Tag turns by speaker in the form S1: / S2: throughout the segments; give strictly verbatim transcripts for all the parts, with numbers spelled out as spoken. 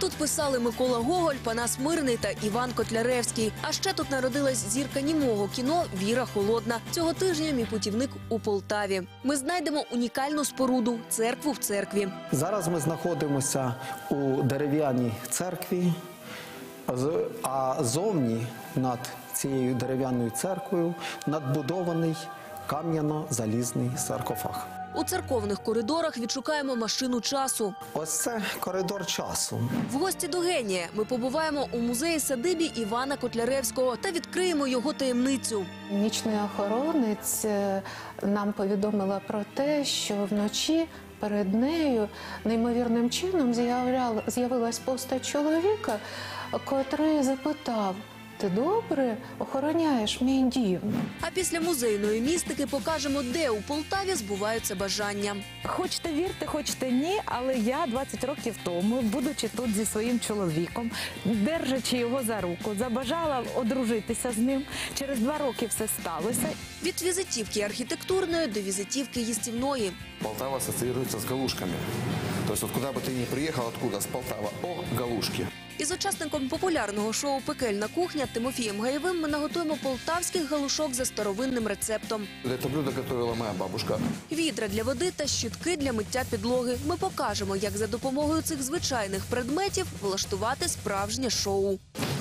S1: Тут писали Микола Гоголь, Панас Мирний та Іван Котляревський. А ще тут народилась зірка німого кіно Віра Холодна. Цього тижня мій путівник у Полтаві. Ми знайдемо унікальну споруду – церкву в церкві.
S2: Зараз ми знаходимося у дерев'яній церкві, а зовні над цією дерев'яною церквою надбудований кам'яно-залізний саркофаг.
S1: У церковних коридорах відшукаємо машину часу.
S2: Ось це коридор часу.
S1: В гості до генія ми побуваємо у музеї-садибі Івана Котляревського та відкриємо його таємницю.
S3: Нічний охоронець нам повідомила про те, що вночі перед нею неймовірним чином з'явилась постать чоловіка, котрий запитав: «Ти добре охороняєш мій дім?»
S1: А після музейної містики покажемо, де у Полтаві збуваються бажання.
S4: Хочете вірте, хочете ні, але я двадцять років тому, будучи тут зі своїм чоловіком, держачи його за руку, забажала одружитися з ним. Через два роки все сталося.
S1: Від візитівки архітектурної до візитівки їстівної.
S5: Полтава ассоциируется с галушками. То есть вот куда бы ты ни приехал, откуда, с Полтава, о, галушки.
S1: Із учасником популярного шоу «Пекельна кухня» Тимофієм Гаєвим ми наготуємо полтавських галушок за старовинним рецептом.
S5: Это блюдо готовила моя бабушка.
S1: Відра для води та щітки для миття підлоги. Ми покажемо, як за допомогою цих звичайних предметів влаштувати справжнє шоу.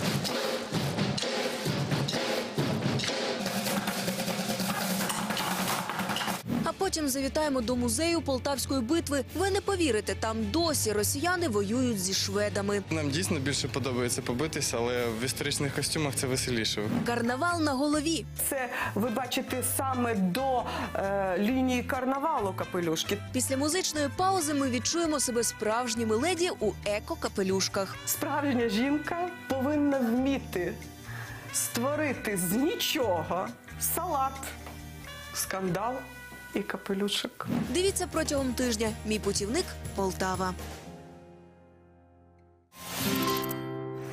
S1: А потім завітаємо до музею Полтавської битви. Ви не повірите, там досі росіяни воюють зі шведами.
S6: Нам дійсно більше подобається побитися, але в історичних костюмах це веселіше.
S1: Карнавал на голові.
S7: Це ви бачите саме до е, лінії карнавалу капелюшки.
S1: Після музичної паузи ми відчуємо себе справжніми леді у еко-капелюшках.
S7: Справжня жінка повинна вміти створити з нічого салат, скандал і капелюшок.
S1: Дивіться протягом тижня. Мій путівник – Полтава.